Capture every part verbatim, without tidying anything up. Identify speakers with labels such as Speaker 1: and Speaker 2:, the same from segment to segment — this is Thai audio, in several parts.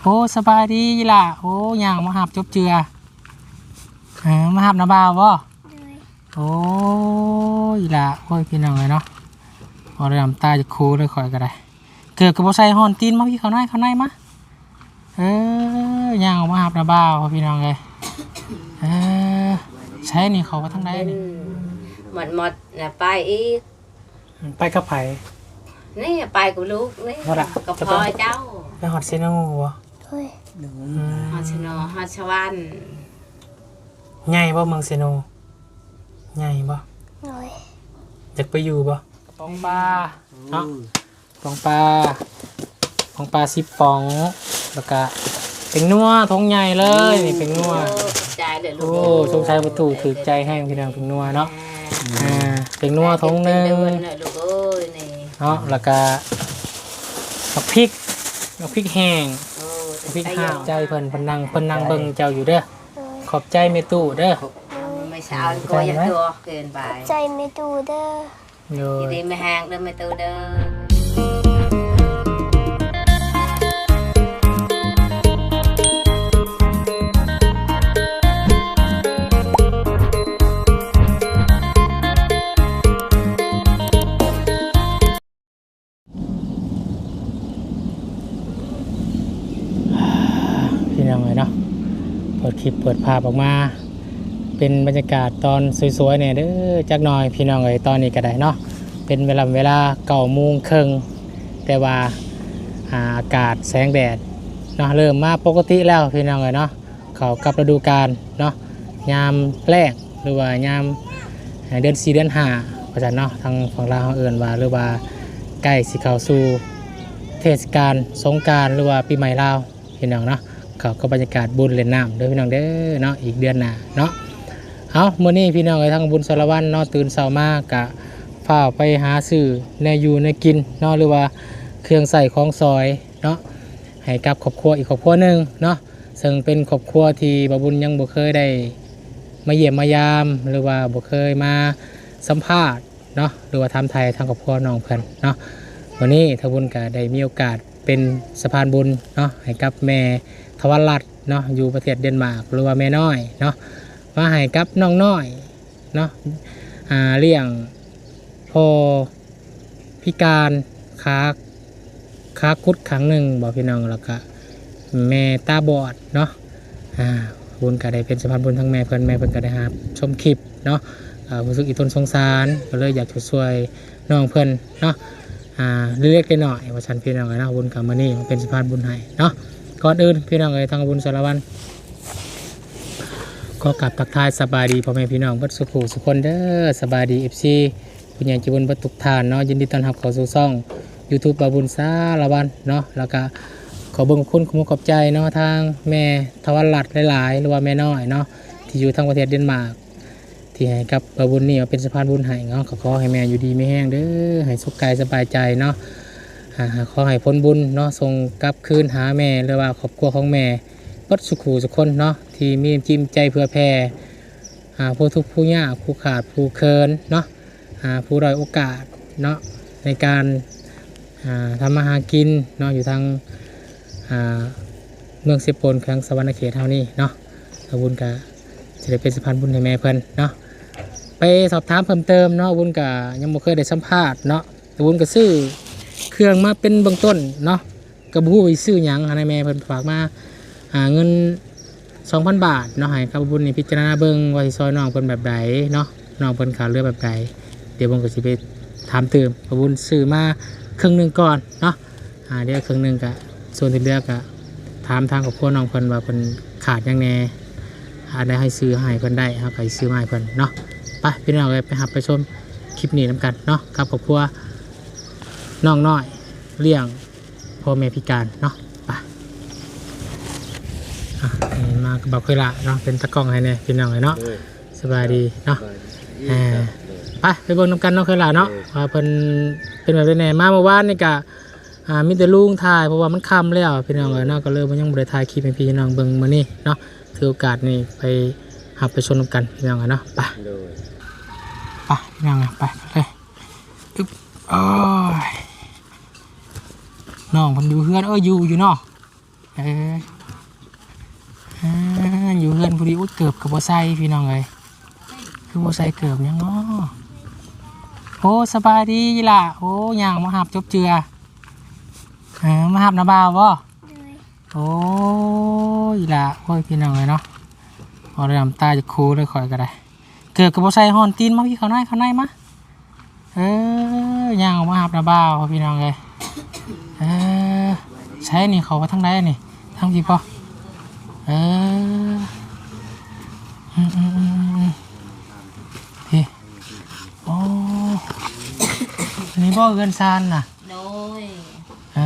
Speaker 1: โอ้สบายดีล่ะโอ้ย่างมาหับจบเจือเออมาหับน้ำบ่าวบ่โอ้ยล่ะโอ้ยพี่น้องเลยเนาะพอได้น้ำตาจะคูเลยคอยก็ได้เกิดกับบ่ใส่ฮอนตีนมาพี่เขาในเขาในมาเออย่างมาหับน้ำบ่าวพี่น้องเลยเออใช้นี่เขาไปทางใดนี่
Speaker 2: หมดหมดน่ะไปอีก
Speaker 1: ไปกับไผ
Speaker 2: นี่ไปกับลูกนี่กับพ่อเจ้า
Speaker 1: ไปฮอดเซโนบ่
Speaker 2: เฮ้ยฮอดเซโนฮอดชวัน
Speaker 1: ใหญ่บ่เมืองเซโนใหญ่บ่
Speaker 2: โอ้ย
Speaker 1: อยากไปอยู่บ่ปองปลาเนาะปองปลาปองปลาสิบปองแล้วก็เป็นนัวท้องใหญ่เลยนี่เป็นนัว
Speaker 2: ใจเด้อลูก
Speaker 1: โอ้สงสัยประตูถือใจให้พี่น้องเป็นนัวเนาะอ่าเป็นนัวท้องนึงเนาะแล้วก็ผักพริกผักพริกแห้งพริกห้าวใจเพิ่นเพิ่นนั่งเพิ่นนั่งเบิ่งเจ้าอยู่เด้อขอบใจแม่ตู้เด้อ
Speaker 2: ไม่เช้าก็ยังตัวเกินไป
Speaker 3: ใจแม่ตู้เด้อ
Speaker 2: อยู่ดีไม่ห่างเด้อแม่ตู้เด้อ
Speaker 1: พี่น้องเลยเนาะเปิดคลิปเปิดภาพออกมาเป็นบรรยากาศตอนสวยๆเนี่ยเด้อจักหน่อยพี่น้องเลยตอนนี้ก็ได้เนาะเป็นเวลาเวลาเก้าโมงครึ่งแต่ว่าอากาศแสงแดดเนาะเริ่มมาปกติแล้วพี่น้องเลยเนาะเขากับฤดูกาลเนาะยามแรกหรือว่ายามเดือนสี่เดือนห้าเพราะฉะนั้นเนาะทางฝั่งลาวเอื่นว่าหรือว่าใกล้สิเข้าสู่เทศกาลสงกรานต์หรือว่าปีใหม่ลาวพี่น้องเนาะเขาก็บรรยากาศบุญเล่นน้ำเด้อพี่น้องเด้อเนาะอีกเดือนหน้าเนาะเอาเมื่อนี้พี่น้องไอ้ทางบุญสารวัตรเนาะตื่นเช้ามากะฝ้าไปหาซื้อแนวอยู่ในกินเนาะหรือว่าเครื่องใส่ของซอยเนาะให้กับครอบครัวอีกครอบครัวหนึ่งเนาะซึ่งเป็นครอบครัวที่บ่บุญยังบ่เคยได้มาเยี่ยมมายามหรือว่าบ่เคยมาสัมภาษณ์เนาะหรือว่าทำไทยทางครอบครัวน้องเพิ่นเนาะวันนี้ทางบุญก็ได้มีโอกาสเป็นสะพานบุญเนาะให้กับแม่ทวารรัตน์เนาะอยู่ประเทศเดนมาร์กหรือว่าแม่น้อยเนาะมาให้กับน้องน้อยเนาะอ่าเลี้ยงพอพิการขาขาคุดครั้งหนึ่งบอกพี่น้องแล้วก็แม่ตาบอดเนาะอ่าบุญก็ได้เป็นสะพานบุญทั้งแม่เพิ่นแม่เพิ่นก็ได้รับชมคลิปเนาะรู้สึกอีทนสงสารก็เลยอยากช่วยน้องเพิ่นเนาะอ่าเล็กๆน้อยๆว่าฉันพี่น้องเนาะบุญกับมื้อนี้มันเป็นสะพานบุญให้เนาะก่อนอื่นพี่น้องเอ้ยทางบุญสารวัตรก็กลับทักทายสบายดีพ่อแม่พี่น้องเบิดสุขุสุขคนเด้อสบายดี เอฟ ซี ผู้ใหญ่ใจบุญเบิดทุกท่านเนาะยินดีต้อนรับเข้าสู่ช่อง YouTube บาบุญสารวัตรเนาะแล้วก็ขอเบิ่งคุณขอบคุณขอบใจเนาะทางแม่ทวารรัตน์หลายๆหรือว่าแม่น้อยเนาะที่อยู่ทางประเทศเดนมาร์กที่ให้กับบาบุญนี่เป็นสะพานบุญให้เนาะขอให้แม่อยู่ดีไม่แห้งเด้อให้สุขกายสบายใจเนาะขอให้พ้นบุญเนาะส่งกลับคืนหาแม่หรือว่าครอบครัวของแม่ปัดสุขูสุขคนเนาะที่มีจิมใจเพื่อแผ่ผู้ทุกข์ผู้ยากผู้ขาดผู้เคินเนาะผู้ด้อยโอกาสเนาะในการทำมาหากินเนาะอยู่ทางเมืองเซโปนแขวงสวรรณเขตเท่านี้เนาะบุญกะจะได้เป็นสะพานบุญให้แม่เพิ่นเนาะไปสอบถามเพิ่มเติมเนาะบุญกะยังไม่เคยได้สัมภาษณ์เนาะบุญกะซื้อเครื่องมาเป็นเบื้องต้นเนาะกระบู้ไปซื้อหยังให้แม่เพิ่นฝากมาหาเงิน สองพัน บาทเนาะให้กับบุญนี่พิจารณาเบิ่งว่าสิซอยน้องเพิ่นแบบใดเนาะน้องเพิ่นขาเรือแบบใดเดี๋ยวบุญก็สิไปถามเติมบุญซื้อมาครึ่งนึงก่อนเนาะอ่าเดี๋ยวครึ่งนึงก็ส่วนที่เหลือก็ถามทางครอบครัวน้องเพิ่นว่าเพิ่นขาดหยังแน่หาได้ให้ซื้อให้เพิ่นได้เฮาก็สิซื้อมาให้เพิ่นเนาะไปพี่น้องไปรับไปชมคลิปนี้นำกันเนาะกับครอบครัวน้องน้อยเลี้ยงพ่อแม่พิการเนาะไปมากับบอกเคยละเนาะเป็นตะกล้องให้เนี่ยพี่น้องเลยเนาะสบายดีเนาะไปไปเบิ่งน้ำกันเนาะเคยละเนาะว่าเพิ่นเป็นแบบไหนมาเมื่อวานนี่กะมีแต่ลุงถ่ายเพราะว่ามันค่ำแล้วพี่น้องเลยเนาะก็เลยมันยังบริถ่ายคลิปให้พี่น้องเบิ่งมื้อนี้เนาะถือโอกาสนี่ไปหับไปชมน้ำกันพี่น้องเลยเนาะไปไปพี่น้องไปเลยอึ๊บโอ้ยน้องเพิ่นอยู่เฮือนเอออยู่อยู่เนาะเอออ่าอยู่เฮือนผู้ดีอุ้ยเกือบกับบ่ใส่พี่น้องเอ้ยคือบ่ใส่เกือบหยังเนาะโอ้สบายดีล่ะโอ้ย่างมาหับจบเจือเออมาหับน้าบ่าวบ่โอ้ยล่ะโอ้ยพี่น้องเอ้ยเนาะเอาน้ำตาจะคูเลยข่อยก็ได้เกือบกับบ่ใส่ฮอนตีนมาพี่เข้าในเข้าในมาเออย่างมาหับน้าบ่าวพี่น้องเอ้ยเออใช้นี่เขาไปทางใดนี่ทางพี่ป่ะเอออืมอืมอืมพี่โอ้อันนี้บ่เกินซานน่ะ
Speaker 2: โดย
Speaker 1: อ่า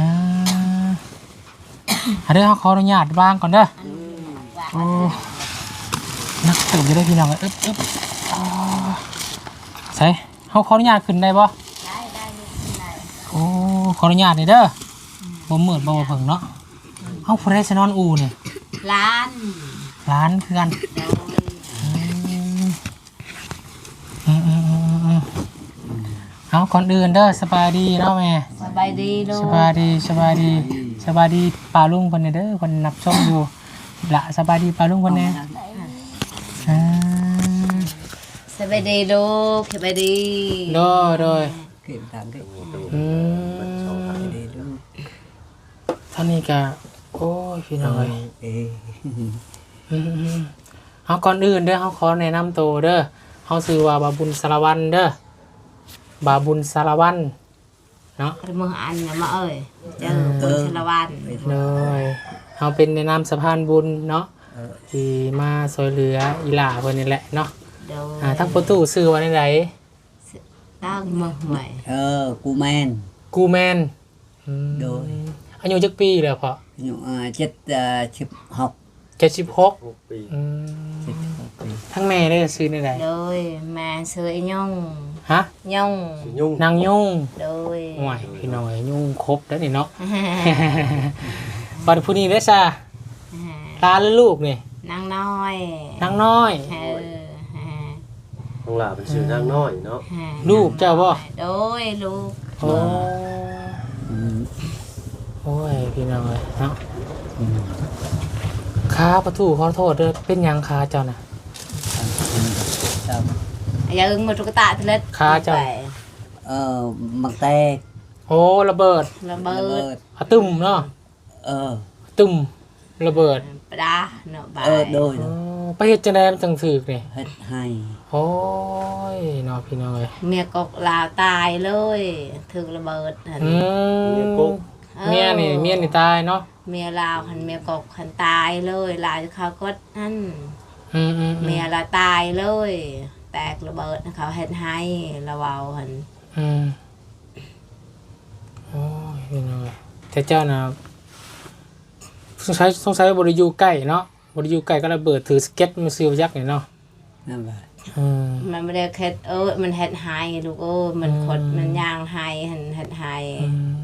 Speaker 1: อันเดี๋ยวเขาขออนุญาตวางก่อนเด้อโอ้นักตื่นจะได้พี่น้องเลยอึ๊บอึ๊บอ่าใส่เขาขออนุญาตขึ้นได้บ่
Speaker 2: ได้ได้ได้
Speaker 1: โอ้ขออนุญาตนี่เด้อบ่มืดบ่เพิ่งเนาะเฮาผู้ใดสินอนอูนี่
Speaker 2: ล้าน
Speaker 1: ร้านคือกัน
Speaker 2: โดย
Speaker 1: อืมอืมอืมอืมเอาก่อนอื่นเด้อสบายดีเนาะแม่
Speaker 2: สบายดีลูก
Speaker 1: สบายดีสบายดีสบายดีป้าลุงเพิ่นเด้อเพิ่นนับชมอยู่ละสบายดีป้าลุงเพิ่นแน่อ่า
Speaker 2: สบายดีลูกสบายดี
Speaker 1: โดยโดย
Speaker 3: เก็บตังค์ก็
Speaker 1: อืม
Speaker 3: ดีดู
Speaker 1: ท่านนี้ก็โอ้ยพี่น้องเอ้ย
Speaker 3: เอ๊ะ
Speaker 1: อืมๆเอาก่อนอื่นเด้อเฮาขอแนะนำตัวเด้อเฮาชื่อว่าบาบุญสารวันเด้อบาบุญสารวันเนาะ
Speaker 2: กระมืออันเนี่ยมาเอ้ยเจอบุญชลวัน
Speaker 1: เลยเฮาเป็นในนามสะพานบุญเนาะที่มาช่วยเหลืออีหล่าเพิ่นนี่แหละเนาะ
Speaker 2: โดย
Speaker 1: อ่าทั้งประตูชื่อว่าได
Speaker 2: ตั้งมือใหม่
Speaker 3: เออกูแมน
Speaker 1: กูแมนอืม
Speaker 3: โดย
Speaker 1: อายุจักปีแล้วพ่อ
Speaker 3: อยู่อ่าเจ็ดอ่าสิบหก
Speaker 1: เจ็ดสิบหกอืม
Speaker 3: เจ็ดสิบหกปี
Speaker 1: ทั้งแม่ได้ชื่อได
Speaker 2: โดยแม่เสือยง
Speaker 1: ฮะ
Speaker 2: ยง
Speaker 1: นางยุ่ง
Speaker 2: โดย
Speaker 1: โอ้ยพี่น้อยยุ่งครบแล้วนี่เนาะ บัดผู้นี้ได้ซะตาหรือลูกนี่
Speaker 2: นางน้อย
Speaker 1: นางน้อย
Speaker 2: เออ
Speaker 4: น้องหลาเป็นชื่อนางน้อยเนาะ
Speaker 1: ลูกเจ้าบ่
Speaker 2: โดยลูก
Speaker 1: โอ้
Speaker 3: อืม
Speaker 1: โอ้ยพี่น้อยเนาะ
Speaker 3: อืม
Speaker 1: ขาประตูขอโทษเด้อเป็นหยังขาเจ้าน่ะ
Speaker 3: เจ้า
Speaker 2: อย่าอึ้งมาตุกตาทะเล
Speaker 1: ขาเจ้า
Speaker 3: เออมักแตก
Speaker 1: โอ้ระเบิด
Speaker 2: ระเบิ
Speaker 3: ระเบิ
Speaker 2: ด
Speaker 3: ด
Speaker 1: อะตึมเนาะ
Speaker 3: เออ
Speaker 1: ตึมระเบิด
Speaker 2: ปลาเนาะบาย
Speaker 3: เออโดย
Speaker 1: อ๋อไปเฮ็ดจังได๋มันจังถึกนี่
Speaker 3: เฮ็ดให้
Speaker 1: โอ้ยเนาะพี่น้อย
Speaker 2: เมียกกลาวตายเลยถึงระเบิดหัน
Speaker 1: อืมเมียนี่เมียนี่ตายเนาะ
Speaker 2: เมียลาวหันเมียกกหันตายเลยลาวเขาก็นั่น
Speaker 1: อืมอืม
Speaker 2: เมียลาตายเลย แตกระเบิดเขาเฮ็ดให้ระเวาหัน
Speaker 1: อืมโอ้ยพี่น้อยแต่เจ้าน่ะสงสัยสงสัยบ่ได้อยู่ใกล้เนาะบ่ได้อยู่ใกล้ก็ระเบิดถือสเก็ตมาซิลยักษ์นี่เนาะ
Speaker 3: นั่นแหละ
Speaker 1: อืม
Speaker 2: มันไม่ได้เฮ็ดเออมันเฮ็ดให้ลูกเออมันขด
Speaker 1: อืม
Speaker 2: มันย่างให้หันเฮ็ดให้
Speaker 1: อืม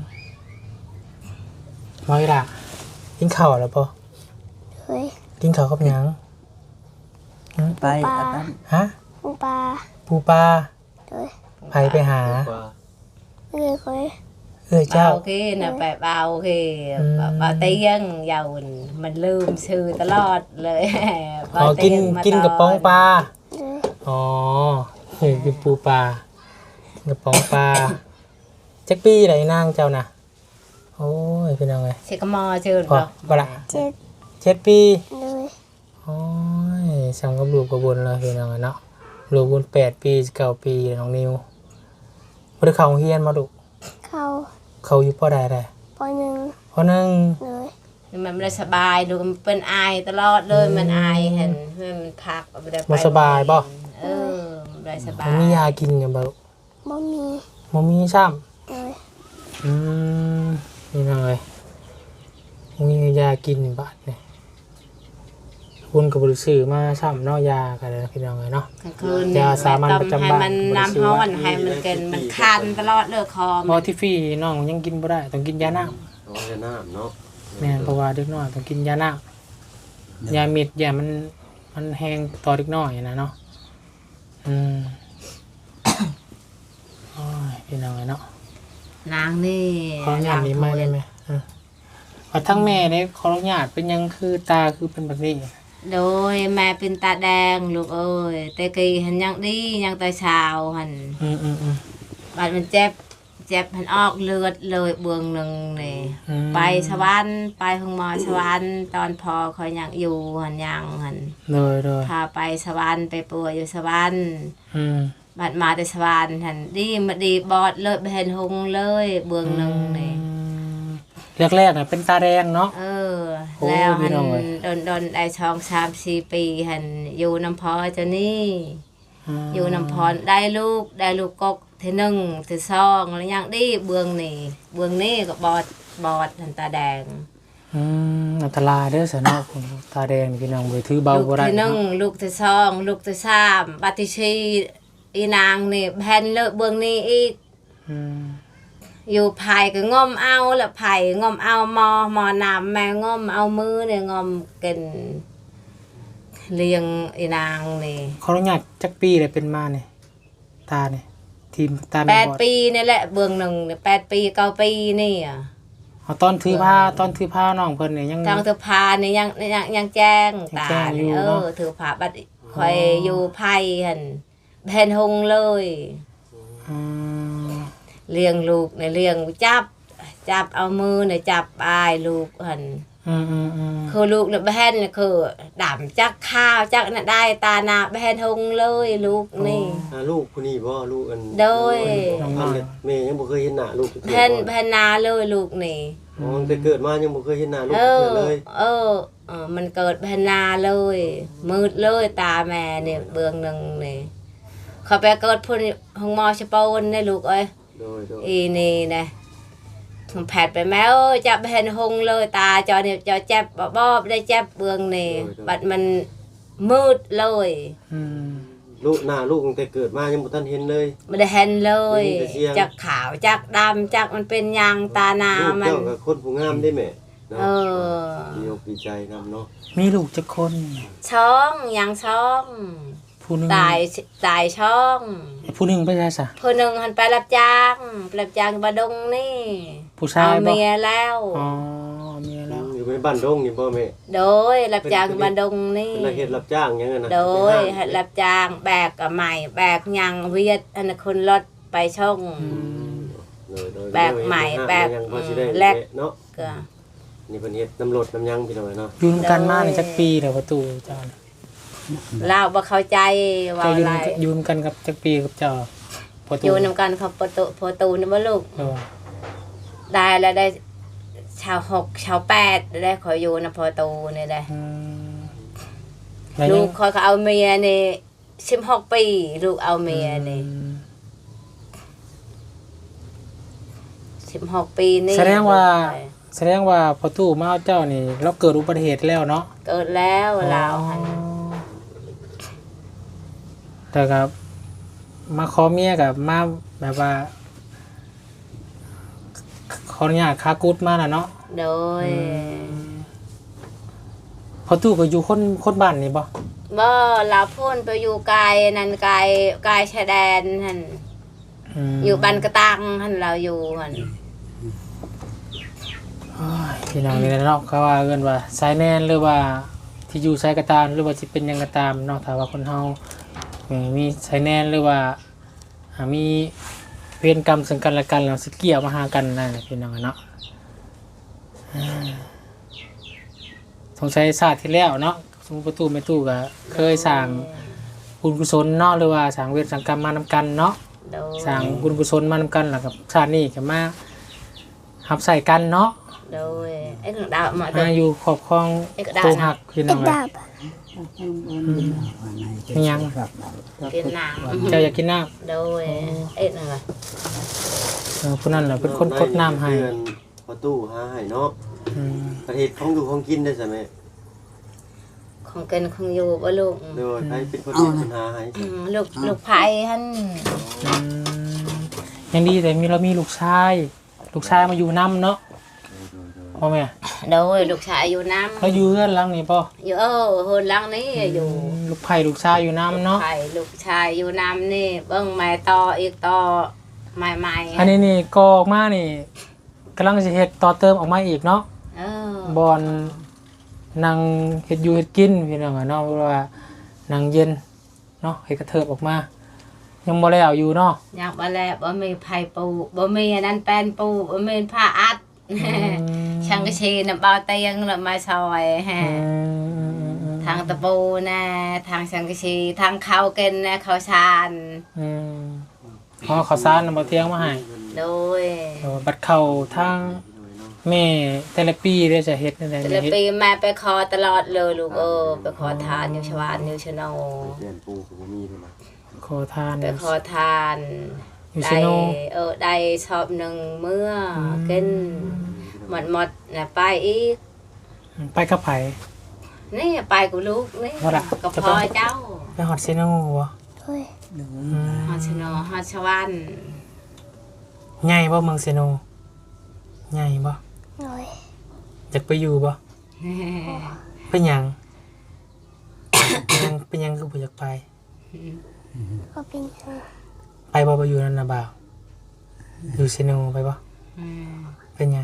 Speaker 1: น้อยล่ะกินข้าวแล้วป่ะ
Speaker 5: เฮ้ย
Speaker 1: กินข้าวกับหยัง
Speaker 3: ไปอาตาม
Speaker 1: ฮะ
Speaker 5: ปูปลา
Speaker 1: ปูปลา
Speaker 5: เฮ้ย
Speaker 1: ไปไปหา
Speaker 5: เอ้ยเฮ้ย
Speaker 1: เอ้ยเจ้า
Speaker 2: โอเคนะไปเบาโอเค
Speaker 1: อืม
Speaker 2: เบาเตี้ยงยาวมันลืมชื่อตลอดเลย
Speaker 1: ขอกิน
Speaker 2: เบาเตี้ยงมา
Speaker 1: กินกระป๋องปลา
Speaker 5: เฮ้ย
Speaker 1: อ๋อเฮ้ยกินปูปลากินกระป๋องปลาจักปี้ไหนนางเจ้าน่ะโอ้ยเป็นยังไง
Speaker 2: เชกมอชื่อ
Speaker 1: พอ
Speaker 2: บ่
Speaker 1: บ่ละ
Speaker 5: เจ็ด
Speaker 1: เจ็ดปี
Speaker 5: เลย
Speaker 1: โอ้ยสั่งกับลูกกระบุญเลยเป็นยังไงเนาะลูกบุญแปดปีเก้าปีน้องนิวบ่ได้เข้าโรงเรียนมาดุ
Speaker 5: เข้า
Speaker 1: เขาอยู่ปอใดได้
Speaker 5: ปอหนึ่ง
Speaker 1: ปอหนึ่ง
Speaker 5: เลย
Speaker 2: มันไม่ได้สบายดูมันเป็นไอตลอดเลยมันไอเห็นมันพักไม่ได้ไป
Speaker 1: บ่สบายบ่
Speaker 2: เออไม่ได้สบาย
Speaker 1: มันมียากินอยู่บ่
Speaker 5: บ่มี
Speaker 1: บ่มีซ้ำ
Speaker 5: เลย
Speaker 1: อืมนี่น้อยบ่มียากินบาดนี่คุณก็บ่ได้ซื้อมาซ้ำเนาะยากันเลยพี่น้องเอ้ยเนาะ
Speaker 2: กลางคืน
Speaker 1: ยาสามัญประจำบ้าน
Speaker 2: ให้มันน้ำร้อนให้มันเกินมันคันตลอดเลยคอ
Speaker 1: พอที่ฟรีน้องยังกินบ่ได้ต้องกินยาน้ำ
Speaker 4: น้องจะน้ำเนาะ
Speaker 1: แม่นเพราะว่าเด็กน้อยต้องกินยาน้ำยาเม็ดยามันมันแห้งต่อเด็กน้อยนะเนาะอืม โอ้ยพี่น้องเอ้ยเนาะ
Speaker 2: นางนี่
Speaker 1: ขออนุญาตนี้ไม่ได้ไหมอ่ะว่าทั้งแม่ได้ขออนุญาตเป็นหยังคือตาคือเป็นแบบนี้
Speaker 2: โดยแม่เป็นตาแดงลูกเอ้ยแต่กี้หันยังดียังตาเช้าหัน
Speaker 1: อืมอืมอืม
Speaker 2: บาดมันเจ็บเจ็บหันออกเลือดเลยเบืองหนึ่งนี่
Speaker 1: อืม
Speaker 2: ไปสวรรค์ไปห้องหมอสวรรค์ตอนพอเขายังอยู่หันยังหัน
Speaker 1: เลยเลย
Speaker 2: พาไปสวรรค์ไปปัวอยู่สวรรค์
Speaker 1: อืม
Speaker 2: บาดมาแต่สวรรค์หันดีมาดีบอดเลยไปเห็นหงเลยเบืองหนึ่งนี่
Speaker 1: แรกๆน่ะเป็นตาแดงเนาะ
Speaker 2: เออ
Speaker 1: โอ้
Speaker 2: แล้ว
Speaker 1: พี่
Speaker 2: หัน
Speaker 1: น้องเอ้ย
Speaker 2: โดนโดนได้ช่องสามสี่ปีหันอยู่น้ำพอเจ้านี่ อยู่น้ำพรได้ลูกได้ลูกกกเทหนึ่งเทสองแล้วยังดีเบืองนี่เบืองนี่ก็บอดบอดหันตาแดง
Speaker 1: อืมอันตรายเด้อสนอคุณตาแดงนี่พี่น้องบ่ถือเบา
Speaker 2: ลูก
Speaker 1: บ่ได้
Speaker 2: เทหนึ่ง
Speaker 1: เนาะ
Speaker 2: ลูกเทสองลูกเทสามบัติชีอีนางนี่แผ่นเลอะเบืองนี่อีก
Speaker 1: อืม
Speaker 2: อยู่ไผ่ก็งอมเอาละไผ่งอมเอามอมอนำแม่งอมเอามือเนี่ยงอมกินเลี้ยงอีนางนี่
Speaker 1: ขออนุญาตจักปีเลยเป็นมาเนี่ยตาเนี่ยทีมตา
Speaker 2: แป
Speaker 1: แม่
Speaker 2: ด
Speaker 1: บอด
Speaker 2: ปีนี่แหละเบืองหนึ่งเนี่ยแปดปีเก้าปีนี่อ่ะ
Speaker 1: เอาตอนถือผ้าตอนถือผ้าน้องเพิ่นเนี่ยยัง
Speaker 2: ทางถือพานี่ยังยังยังแจ้งตา
Speaker 1: ยังแจ้งอยู่
Speaker 2: นี่เอ
Speaker 1: เนาะ
Speaker 2: อถือพาบัดคอยอยู่ไผ่หันแผ่นหงเลย
Speaker 1: อืม
Speaker 2: เลี้ยงลูกในเลี้ยงจับ จับเอามือในจับอายลูกหัน
Speaker 1: อืมอืมอืม
Speaker 2: คือลูกเนี่ยแผ่นเนี่ยคือดำจักข้าวจักน่ะได้ตาหนาแผ่นหงเลยลูกนี่
Speaker 4: อ่าลูกผู้นี้บ่ลูกอัน
Speaker 2: โดย
Speaker 4: อันเล็กแม่ยังบ่เคยเห็นหน้าลูกเทื่อ
Speaker 2: แผ่น
Speaker 4: บ่
Speaker 2: แผ่นนาเลยลูกนี่
Speaker 4: อ๋อตั้งแต่เกิดมายังบ่เคยเห็นหน้าลูก
Speaker 2: เอ
Speaker 4: เทื่
Speaker 2: อ
Speaker 4: อเลย
Speaker 2: เออเออ มันเกิดแผ่นนาเลย มืดเลยตาแม่เนี่ยเบืองหนึ่งนี่เขาไปเกิดพุ่นห้องหมอชะปนเนี่ยลูกเอ้ย
Speaker 4: โดยโดย
Speaker 2: อีนี่นะแผดไปแม่เอ้ยจับเห็นหงเลยตาจอเนี่ยจอเจ็บบ่บ่ได้เจ็บเบืองนี่บัดมันมืดเลย
Speaker 1: อืม
Speaker 4: ลูกหน้าลูกตั้งแต่เกิดมายังบ่ทันเห็นเลย
Speaker 2: ไม่ได้เห็นเลย
Speaker 4: ได้ยินแต่เสียง
Speaker 2: จากขาวจากดำจากมันเป็นยางตานา
Speaker 4: ลูก
Speaker 2: มัน
Speaker 4: เจ้าก็คนผู้งามได้แม่เนาะ
Speaker 2: เออ
Speaker 4: ดีอกดีใจนำเนาะ
Speaker 1: มีลูกจักคน
Speaker 2: ช่องยางช่อง
Speaker 1: ผู้หนึง
Speaker 2: ตายตายช่อง
Speaker 1: ผู้หนึงไปใช่ซะ
Speaker 2: ผู้หนึ่งหันไปรับจ้างไปรับจ้างบาดงนี่
Speaker 1: ผู้ชา
Speaker 2: เอา
Speaker 1: ยบ่
Speaker 2: เมียแล้ว
Speaker 1: อ๋อเมียแล้ว
Speaker 4: อยู่ในบ้านดงนี่บ่แม่
Speaker 2: โดยรับจ้างบาดงนี่
Speaker 4: เป็นนักเฮ็ดรับจ้างหยังไงนะ
Speaker 2: โดยให้รับจ้างแบกกับใหม่แบกยังเวียดอันนนคนรถไปช่อง
Speaker 4: โดยโดย
Speaker 2: แบกใหม่แบก
Speaker 4: ยังพอสิได้
Speaker 2: แลก
Speaker 4: เนาะ
Speaker 2: ก็
Speaker 4: นี่เพิ่นเฮ็ดน้ำรถน้ำยังพี่น้องเนาะ
Speaker 1: อยู่นำกันมาในจักปีแล้วประตูเจ้าน่ะ
Speaker 2: เล่าบ่เข้าใจว่า
Speaker 1: เจ้าอยู่
Speaker 2: อะไร
Speaker 1: นำอยู่นำกันกับจักปีกับเจ้าประตู
Speaker 2: อยู่นำกันเขาประตูประตูนี่บ่ลูก
Speaker 1: เออ
Speaker 2: ได้แล้วได้ชาวหกชาวแปดได้ขออยู่นำประตูนี่ได้
Speaker 1: อืมแล้ว
Speaker 2: ลู
Speaker 1: ยัง
Speaker 2: กคอยเขาเอาเมียนี่สิบหกปีลูกเอาเมียนี่
Speaker 1: อืม
Speaker 2: สิบหกปีนี่
Speaker 1: แสดงว่า แสดงว่าพอตู้มาเอาเจ้านี่เราเกิดอุบัติเหตุแล้วเนาะ
Speaker 2: เกิดแล้วเราหัน
Speaker 1: แต่กับมาขอเมียกับมาแบบว่าขออนุญาตคากุดมาน่ะเนาะ
Speaker 2: โดย
Speaker 1: พอตู้ก็อยู่คนคนบ้านนี่บ่
Speaker 2: บ่เราพูนไปอยู่ไกลนั่นไกลไกลชายแดนหัน
Speaker 1: ม
Speaker 2: อยู่บันกระตังหันเราอยู่หัน
Speaker 1: โอ้ยพี่น้องนี่แหละเนาะเขาว่าเอิ้นว่าสายแนนหรือว่าที่อยู่สายกระตามหรือว่าสิเป็นหยังกระตามเนาะถ้าว่าคนเฮาเอ่อมีสายแนนหรือว่าอ่ามีเวรกรรมซึ่งกันและกันแล้วสิเกี่ยวมาหากันนั่นแหละพี่น้องเนาะอ่าสงสัยศาสตร์ที่แล้วเนาะสมมุติประตูแม่ตู้ก็เคยสร้างบุญกุศลเนาะหรือว่าสร้างเวรสังกรรมมานำกันเนาะ
Speaker 2: โดย
Speaker 1: สร้างบุญกุศลมานำกันแล้วกับชาตินี้ก็มาหับใส่กันเนาะ
Speaker 2: โดยไอ้ของดาวมา
Speaker 1: มาอยู่ครอบครอง
Speaker 2: ไอ้กระดาษ
Speaker 1: ตัวหักพี่น้
Speaker 5: ติ
Speaker 1: อ
Speaker 5: ด
Speaker 1: งเอ้
Speaker 5: ดาย บ
Speaker 1: เป็นยัง
Speaker 2: กินน้
Speaker 1: เจ้าอยากกินน้
Speaker 2: ำโดยไอ้นั่นว่ะ
Speaker 1: ำเออผู้นั้นแหละเป็นคนกดน้ำให้
Speaker 4: เพื่อนประตูหาให้เนาะ
Speaker 1: อืม
Speaker 4: ประเทศของอยู่ของกินได้ใช่ไหม
Speaker 2: ของกินของอยู่บ่ลูก
Speaker 4: โดยไปเป็นคนเป็นคนหาให้
Speaker 2: อืมลูกลูกไผ่หัน
Speaker 1: อืมยังดีแต่มีเรามีลูกชาย ลูกชายมาอยู่น้ำเนาะพ่อแม่
Speaker 2: โดยลูกชายอยู่น้ำ
Speaker 1: เราอยู่เรือนหลังนี่ป่ะ
Speaker 2: อยู่เออโหนหลังนี้อยู่
Speaker 1: ลูกไผ่ลูกชายอยู่น้ำเนาะ
Speaker 2: ไผ่ลูกชายอยู่น้ำนี่เบิ่งไม้ต่ออีกต่อไม้ใหม่
Speaker 1: อันนี้นี่กอออกมานี่กำลังจะเฮ็ดต่อเติมออกมาอีกเนาะ
Speaker 2: เออ
Speaker 1: บอนนั่งเฮ็ดอยู่เฮ็ดกินพี่น้องอะเนาะเพราะว่านั่งเย็นเนาะเฮ็ดกระเทิบออกมายังบ่แล้วอยู่เนาะ
Speaker 2: อยากบ่แล้วบ่มีไผปูบ่มีอันนั้นแป้นปูบ่มีผ้าอัดช่างกระชีน้ำเบาเตียงแล้วมาซอยฮะทางตะปูนะทางช่างกระชีทางข้าวกินนะข้าวสาร
Speaker 1: อืมอ๋อข้าวสารนำบ่เที่ยงมาให้
Speaker 2: โดย
Speaker 1: เออบัดเข้าทางแม่แต่ละปีเด้อจะเฮ็ดนั่นแหละ
Speaker 2: แต่
Speaker 1: แม่
Speaker 2: ละ
Speaker 1: เฮ็ด
Speaker 2: ปีแม่ไปขอตลอดเลยลูกเออไปขอทานอยู่ชวานอยู่ชะโน
Speaker 4: เปลี่ยนปูก็บ่มีด้วยนะ
Speaker 1: ขอทาน
Speaker 2: ไปขอทาน
Speaker 1: อยู่
Speaker 2: ได้
Speaker 1: ซิโน
Speaker 2: เออได้ชอบหนึ่งเมื่ออกินหมดหมดนะไปอีก
Speaker 1: ไปกับไผ
Speaker 2: นี่ไปกับลูกนี่
Speaker 1: ว่าล่ะ
Speaker 2: กับพ่อเจ้า
Speaker 1: ไปฮอดซิโนบ่
Speaker 5: ด้วย
Speaker 3: ดู
Speaker 1: อืม
Speaker 2: ฮอดชะโนฮอดชวาน
Speaker 1: ใหญ่บ่เมืองซิโนใหญ่บ่
Speaker 5: ด้วย
Speaker 1: อยากไปอยู่บ่เป็นหยัง ยังเป็นหยังคือบ่อยากไป
Speaker 5: ก็เป็นเธอ
Speaker 1: ไปบ่ไปอยู่นั่นน่ะบ่าวอยู่ซิโนไปบ่เป็นหยัง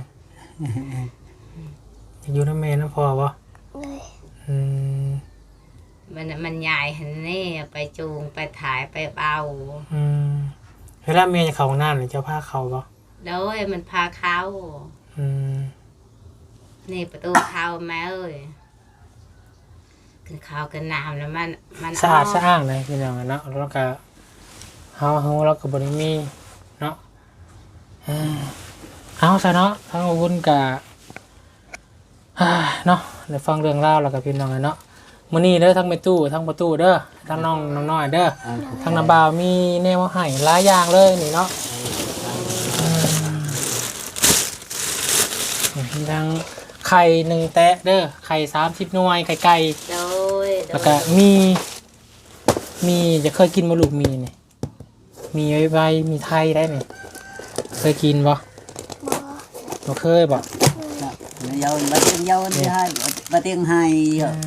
Speaker 1: อยากอยู่นำแม่นำพ่อบ่
Speaker 5: ด้วย
Speaker 1: อืม
Speaker 2: มันมันใหญ่หันนี่ไปจูงไปถ่ายไปเบา
Speaker 1: อืมเวลาแม่จะเข้าห้องน้ำนี่เจ้าพาเข้าบ่
Speaker 2: แล้วมันพาเข้า
Speaker 1: อืม
Speaker 2: นี่ประตูเข้าแม่เอ้ยขึ้นเข้ากันน้ำแล้วมันมัน
Speaker 1: สะอาด
Speaker 2: ก
Speaker 1: สะอ้างเลยพี่น้องเนาะแล้วก็เฮาเฮาเราก็บ่ได้มีเนาะเอ้อเอาซะเนาะทางอาวุธก็อ่าเนาะได้ฟังเรื่องราวแล้วก็พี่น้องเนาะมื้อนี้เด้อทั้งแม่ตู้ทั้งประตูเด้อทั้งน้องน้องน้อยเด้อทั้งน้าบ่าวมีแนวมาให้หลายอย่างเลยนี่เนาะอืมมีทั้งไข่หนึ่งแตะเด้อไข่สามสิบหน่วยไข่ไก่
Speaker 2: โดยโด
Speaker 1: แล้ว
Speaker 2: ย
Speaker 1: ก็มี มีจะเคยกินมะลูกมีเนี่ยมีไว้ไว้มีไทยได้ไหมเคยกินบ่
Speaker 5: บ่
Speaker 1: บ่เคยบ่
Speaker 3: ยาวมาเตียงยาวนี่ให้มาเตียงให้เหรอ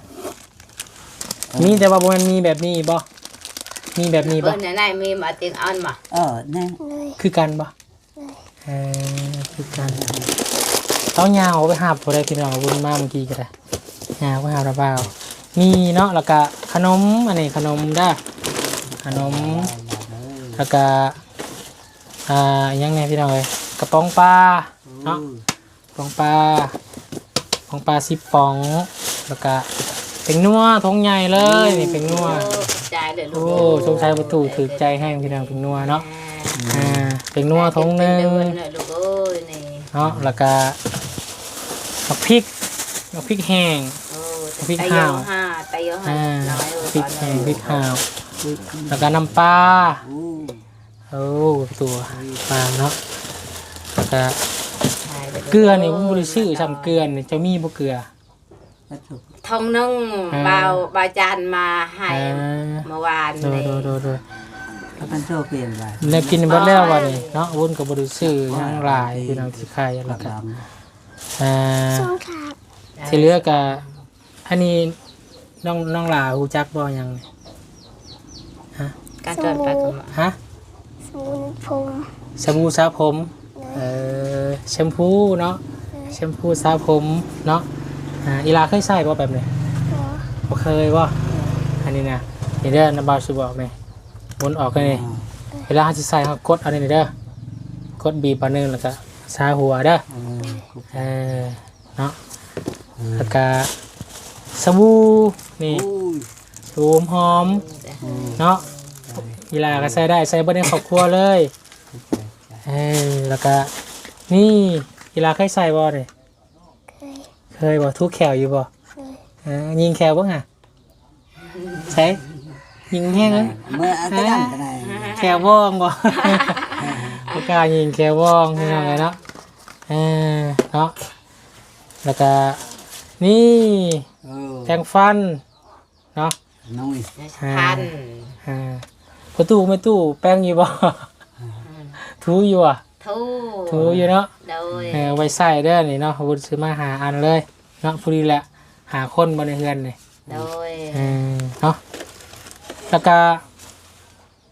Speaker 1: มีแต่ว่าบ่มันมีแบบนี้บ่มีแบบนี้บ่
Speaker 2: เบิ้ลไหนมีมาเตียงอ่อนมา
Speaker 3: เออแน่
Speaker 5: ด้วย
Speaker 1: คือกันบ่เออคือกันต้องยาวไปหาบ่ได้พี่น้องบุญมาเมื่อกี้ก็ได้ยาวไปหาระเบ้ามีเนาะแล้วก็ขนมอันนี้ขนมเด้อขนมแล้วก็อ่าอิหยังไงพี่น้องเอ้ยกระป๋องปลาเนาะ ปองปลาปองปลาสิบปองแล้วก็เป็นนัวทงใหญ่เลยนี่เป็นนัว
Speaker 2: ใจเลยลู
Speaker 1: โอ้
Speaker 2: ก
Speaker 1: สงสัยประตูถือใจให้พี่น้องเป็นนัวเนาะอ่าเป็นนัวทงหนึง
Speaker 2: เป็นเดือนเลยลูกเอ้ยนี่
Speaker 1: เนาะแล้วก็ผักพริกผักพริกแห้ง
Speaker 2: โอ้
Speaker 1: พริก
Speaker 2: ไต
Speaker 1: ห่าว
Speaker 2: ห้าไตโยห้า
Speaker 1: อ่า
Speaker 2: น้อยเออ
Speaker 1: พริก
Speaker 2: ตอน
Speaker 1: แห้
Speaker 2: นี้
Speaker 1: งพริกห่าวแล้วก็น้ำปลา
Speaker 3: โอ้
Speaker 1: โอ้ตัวปลาเนาะแล้วก็
Speaker 2: ใช่ลย
Speaker 1: เกลือนี่ผมบ่ได้ซื้อซ้ำเกลือนี่เจะมีบ่เกลือ
Speaker 3: ก็ถูก
Speaker 2: ทองนึ่ง
Speaker 1: อ่า
Speaker 2: เบาบาจานมาให้
Speaker 1: อ่า
Speaker 2: เมื่อวาน
Speaker 1: โดย
Speaker 2: นี่
Speaker 1: โดยโดยโดย
Speaker 3: แล้วมันโชคเปลี่ยนไป
Speaker 1: แล้วกินเบัดแล้ววันนี้เนาะวุ้นกับบริสื่อยังหลายพี่น้องที่ใครแล้วก็
Speaker 3: ลำ
Speaker 1: อ่า
Speaker 5: สองขาบ
Speaker 1: ที่เหลือก็อันนี้น้องน้องหลาฮู้จักบ่ยังฮะ
Speaker 2: การเดินไปกันมา
Speaker 1: ฮะ
Speaker 5: สมุนพง
Speaker 1: สบู่สระผมเอ่อแชมพูเนาะแชมพูสระผมเนาะอ่าอีลาเคยใช้บ่แบบนี้
Speaker 5: บ่
Speaker 1: บ่เคยบ่อันนี้นะนี่เด้อน้ำบาวสิบอกแม่วนออกกันนี่เวลาเราสิใส่เรากดเอานี่เด้อกดบีบอันนึงแล้วก็ซาหัวเด้อ เออเนาะแล้วก็สบู่นี่สบู่หอมเนาะกีฬาก็ใส่ได้ใส่บนในครอบครัวเลยเออแล้วก็นี่กีฬาเคยใส่บ่เนี่ย
Speaker 5: เคย
Speaker 1: เคยบ่ทุกแขวอยู่บ่
Speaker 5: เคย
Speaker 1: เออยิงแขวบ่ฮะใช่ยิงแห้งเลย
Speaker 3: เมื่ออันนั้นก็ได้
Speaker 1: แขวว่องบ่ บ่กล้ายิงแขวว่องพี่น้องเลยเนาะเออเนาะแล้วก็นี่
Speaker 3: เออ
Speaker 1: แปรงฟันเนาะ
Speaker 3: น้อย
Speaker 2: พัน
Speaker 1: อ่าประตูไม่ตู้แป้งอยู่บ่ ทูอยู่อ่ะ
Speaker 2: ทู
Speaker 1: ทูอยู่เนาะ
Speaker 2: โดย
Speaker 1: เออไว้ใส่เด้อนี่เนาะวุฒิซื้อมาหาอันเลยเนาะพอดีแหละหาคนบ่ในเฮือนนี่
Speaker 2: โดย
Speaker 1: เออเนาะแล้วก็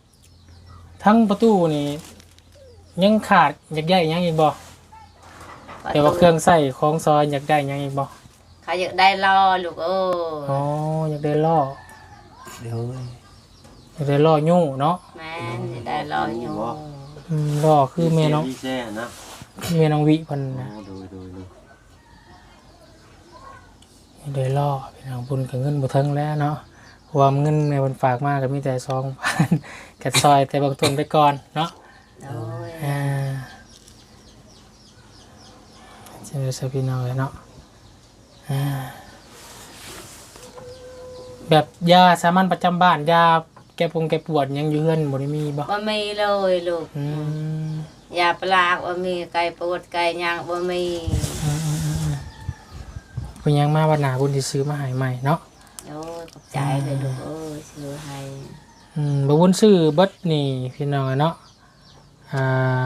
Speaker 1: ทั้งประตูนี่ยังขาดอยากใหญ่ยังอีกบ่แต่ว่าเครื่องใส่ของซอยอยากได้หยังอีกบ่
Speaker 2: เขาอยากได้ล่อลูกเอ้
Speaker 1: อ๋อย อยากได้ล่อ
Speaker 3: เดี๋ยว
Speaker 1: อยากได้ล่อยู่เนาะ
Speaker 2: แม่นอยากได้ล่ออยู่
Speaker 1: อืมล่อคือแม่น้อง
Speaker 4: พี่แซ่นะ
Speaker 1: แม่น้องวิเพิ่น
Speaker 4: อ๋
Speaker 1: นะ
Speaker 4: อโดยโดยโดย
Speaker 1: อยากได้ล่อพี่น้องบุญกับเงินบ่ถึงแล้วเนาะเพราะว่าเงินในเพิ่นฝากมาก็มีแต่ สองพัน ก็ซอยแต่บางต้นไปก่อนเนาะ
Speaker 2: โดย
Speaker 1: อ่าเจอสพี่น้องเลยเนาะอ่าแบบยาสามัญประจำบ้านยาแก้ปวงแก้ปวดยังอยู่เฮือนบ่ได้มีบ่
Speaker 2: บ่มีเลยลูก
Speaker 1: อืม
Speaker 2: ยาปลากบ่มีไก่ปวดไก่ย่างบ่มี
Speaker 1: อืมอืมอืมอืมเพิ่นยังมาวันหน้าบุญสิซื้อมาให้ใหม่เนาะ
Speaker 2: โอ้ยขอบใจเลยลูกเอ้ยซื้อให้
Speaker 1: อืมบ่บุญซื้อเบิดนี่พี่น้องเนาะอ่า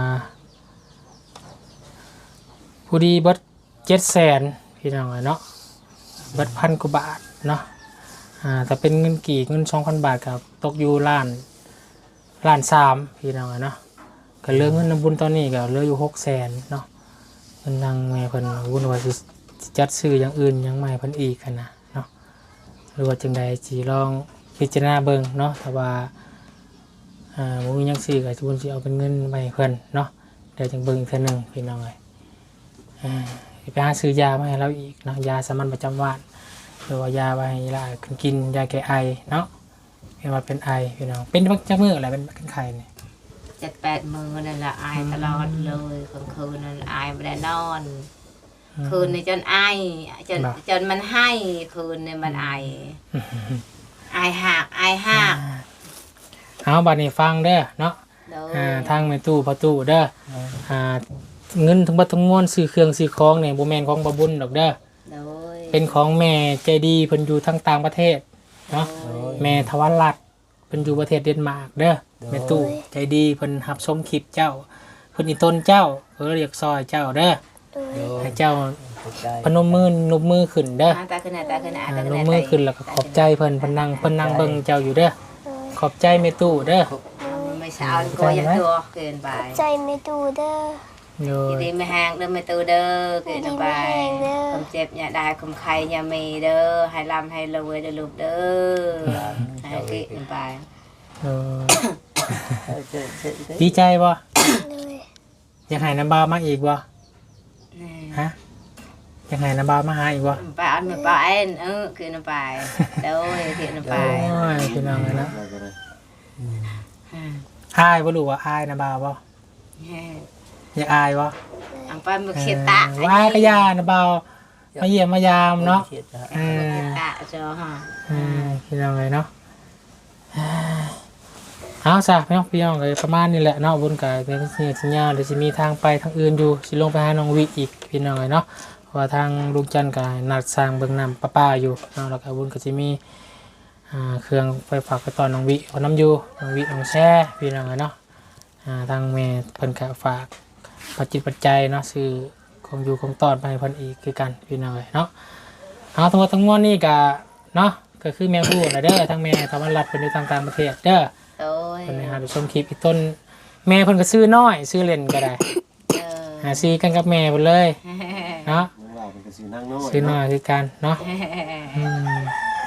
Speaker 1: ผู้ดีเบิดเจ็ดแสนพี่น้องเนาะเบิดพันกว่าบาทเนาะอ่าแต่เป็นเงินกี่เงินสองพันบาทกับตกอยู่ล้านล้านสามพี่น้องเนาะก็เหลือเงินนำบุญตอนนี้ก็เหลืออยู่หกแสนเนาะเงินทางแม่เพิ่นวุ่นว่าสิสิจัดซื้ออย่างอื่นหยังใหม่เพิ่นอีกกันนะเนาะหรือว่าจังใดสิลองพิจารณาเบิ่งเนาะถ้าว่าอ่าบ่มีหยังซื้อก็สิบุญสิเอาเป็นเงินไปให้เพิ่นเนาะเดี๋ยวจังเบิ่งอีกเทื่อหนึงพี่น้องเอ้ยอ่าไปหาซื้อยามาให้เราอีกเนาะยาสามัญประจำวันหรือว่ายาไว้ให้หลานกินยาแก้ไอเนาะเห็นว่าเป็นไอพี่น้องเป็นจักมื้ออะไรเป็นเป็นไข้นี่
Speaker 2: เจ็ดแปดมื้อนั่นล่ะอายตลอดเลยกลางคืนนั่นอายบ่ได้นอน คืนนี่จนไอจนจนมันให้คืนนี่มันไอไอหักไอหัก
Speaker 1: เอาบัดนี้ฟังเด้อเนาะ
Speaker 2: โด
Speaker 1: อ่าย ทางแม่ตู้ประตูเด้ออ่าเงินทั้งบัดทั้งมวลซื้อเครื่องซื้อของเนี่ยบ่แม่นของบ่บุญดอกเด้อ
Speaker 2: โดย
Speaker 1: เป็นของแม่ใจดีเพิ่นอยู่ทางต่างประเทศเนาะแม่ทวัลรัตน์เพิ่นอยู่ประเทศเดนมาร์กเด้อแม่ตู้ใจดีเพิ่นรับชมคลิปเจ้าเพิ่นอีต้นเจ้าเพิ่นเรียกซอยเจ้าเด้อ
Speaker 5: โดย
Speaker 1: ให้เจ้า
Speaker 3: ขอบใจ
Speaker 1: พนมมือนบมือขึ้นเด้อ
Speaker 2: ตาขึ้นหน้าตาขึ้นหน้า
Speaker 1: อ่า
Speaker 2: ตาขึ้น
Speaker 1: น
Speaker 2: ห
Speaker 1: บ
Speaker 2: น้า
Speaker 1: มือขึ้นแล้วก็ขอบใจเพิ่นเพิ่นนั่งเพิ่นนั่งเบิ่งเจ้าอยู่เด้อขอบใจแม่ตู้เด้อ
Speaker 2: ไม่เช้าก็อย่าตัวเกินไป
Speaker 5: ใจไม่ดูเด้อ
Speaker 1: โย
Speaker 2: ยินดีไม่แห้งเด้อไม่ตูเด้อเกินไปความเจ็บอย่าได้ความใครอย่ามีเด้อให้ลำให้รวยเด้อลูกเด้อให้กินไป
Speaker 1: โย
Speaker 3: เออเจอเจอเจอ
Speaker 1: ดีใจบ่
Speaker 5: เลย
Speaker 1: อยากให้น้ำบาวมาอีกบ่ฮะอยากให้น้ำบาวมาหาอีกบ่
Speaker 2: ไปอันไม่ไปเอ็นเออกินไปเด้อกินไป
Speaker 1: โอ้ยพี่น้องเลยนะ
Speaker 4: เราก็ได้
Speaker 1: อายบ่รู้ว่าอายน้ำบาวบ่อยากอายบ่
Speaker 2: อังไปมึกเขียตะ
Speaker 1: เออว่าก็ย่าน้ำบาวมาเยี่ยมมายามเนาะ
Speaker 3: เขียดนะ
Speaker 1: เออ
Speaker 2: ตะจอฮะ
Speaker 1: เออพี่น้องเลยเนาะเอาซะพี่น้องพี่น้องเลยประมาณนี้แหละเนาะบุญกับเป็นสิ่งสัญญาเดี๋ยวจะมีทางไปทางอื่นอยู่สิลงไปหาน้องวิอีกพี่น้องเลยเนาะเพราะว่าทางลุงจันทร์กับนัดสร้างเบื้องน้ำประปาอยู่เนาะแล้วก็บุญก็จะมีอ่าเครื่องไฟฝากไปตอนน้องวิเอาน้ำอยู่น้องวิน้องแช่พี่น้องเลยเนาะอ่าทางแม่เพิ่นก็ฝากปัจจิตปัจจัยเนาะซื้อของอยู่ของตอนไปให้เพิ่นอีกคือกันพี่น้องเลยเนาะเอาทั้งหมดทั้งมวลนี่ก็เนาะก็คือแม่พูดนะเด้อทั้งแม่ทวันรัฐเป็นอยู่ทางต่างประเทศเด้อ
Speaker 2: โดย
Speaker 1: เพิ่นให้หาดูชมคลิปอีกต้นแม่เพิ่นก็ซื้อน้อยซื้อเล่นก็ได้
Speaker 2: เออ
Speaker 1: หาซื้อกันกับแม่เพิ่นเลยเนาะ
Speaker 4: น้องหลานเป็นกระสือนั่งน้อย
Speaker 1: ซื้อน้อยคือกันเนาะอืม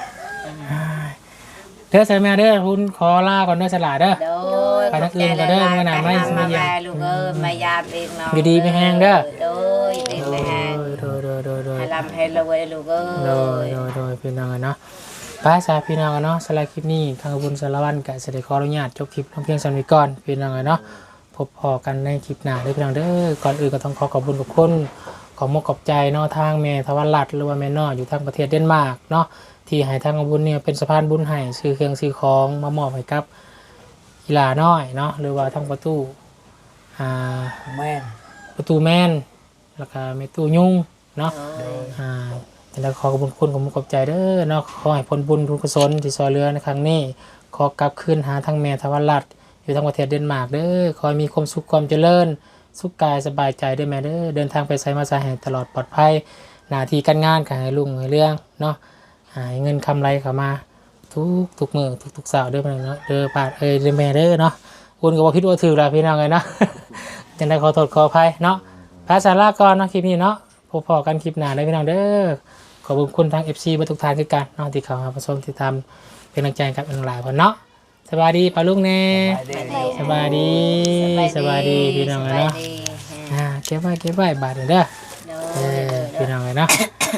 Speaker 1: เด้อใส่แม่เด้อคุณขอลาก่อนเด้อสลาเด้อ
Speaker 2: โดย
Speaker 1: ไปทางอื่นก็เด้อเมื่อหน้าไม่ไม่เยี่ยม
Speaker 2: ลูกเอ้ยไม่ยามเองเนาะ
Speaker 1: อยู่ดีไม่แห้งเด้อ
Speaker 2: โดยดีไม่แห้ง
Speaker 1: โดยโดยโดยโดย
Speaker 2: ให้ลำให้รวยลูกเอ้
Speaker 1: โดย
Speaker 2: ย
Speaker 1: โดยโดยพี่น้องกันเนาะไปสาพี่น้องกันเนาะสลายคลิปนี้ทางบุญสารวันกับเสด็จขออนุญาตจบคลิปลงเพียงสำนี้ก่อนพี่น้องกันเนาะพบพอกันในคลิปหน้าเด้อพี่น้องเด้อก่อนอื่นก็ต้องขอขอบคุณขอบคุณขอมกขอบใจเนาะทางแม่ทวันรัตน์หรือว่าแม่น้ออยู่ทางประเทศเดนมาร์กเนาะที่ให้ทางบุญเนี่ยเป็นสะพานบุญให้ซื้อเครื่องซื้อของมามอบให้กับกีฬาน้อยเนาะหรือว่าทางประตูอ่า
Speaker 3: แม่น
Speaker 1: ประตูแม่นแล้วก็แม่ตู้ยุ่งเนาะ
Speaker 2: โดย
Speaker 1: อ่าแต่ละขอขอบคุณคุณขอมุขขอบใจเด้อเนาะขอให้ผลบุญทุนกุศลที่ซอยเรือในครั้งนี้ขอกลับคืนหาทางแม่ทวันรัตน์อยู่ทางประเทศเดนมาร์กเด้อขอให้มีความสุขความเจริญสุขกายสบายใจเด้อแม่เด้อเดินทางไปไสมาไสให้ตลอดปลอดภัยหน้าที่การงานก็ให้รุ่งให้เรื่องเนาะให้เงินคำไรเข้ามาทุกทุกมื้อทุกทุกสาวเด้อแม่เนาะเด้อปาดเอ้ยเด้อแม่เด้อเนาะคุณก็บ่คิดว่าถือแล้วพี่น้องเลยเนาะ จังได้ขอโทษขออภัยเนาะภาษาลาก่อนเนาะคลิปนี้เนาะพบพอกันคลิปหน้าได้พี่น้องเด้อขอบคุณทาง เอฟ ซี เบ่ทุกท่านคือกันเนาะที่เข้ามารับชมที่ทำเป็นกำลังใจกับน้องหลายเพิ่นเนาะสบายดีปะลุงแน่สบายดีสบายดีพี่น้องเนาะอ่าเก็บไว้เก็บไว้บาดนี้เด้อ
Speaker 2: เด้
Speaker 1: เออ
Speaker 2: อ
Speaker 1: พี่น้องเนาะ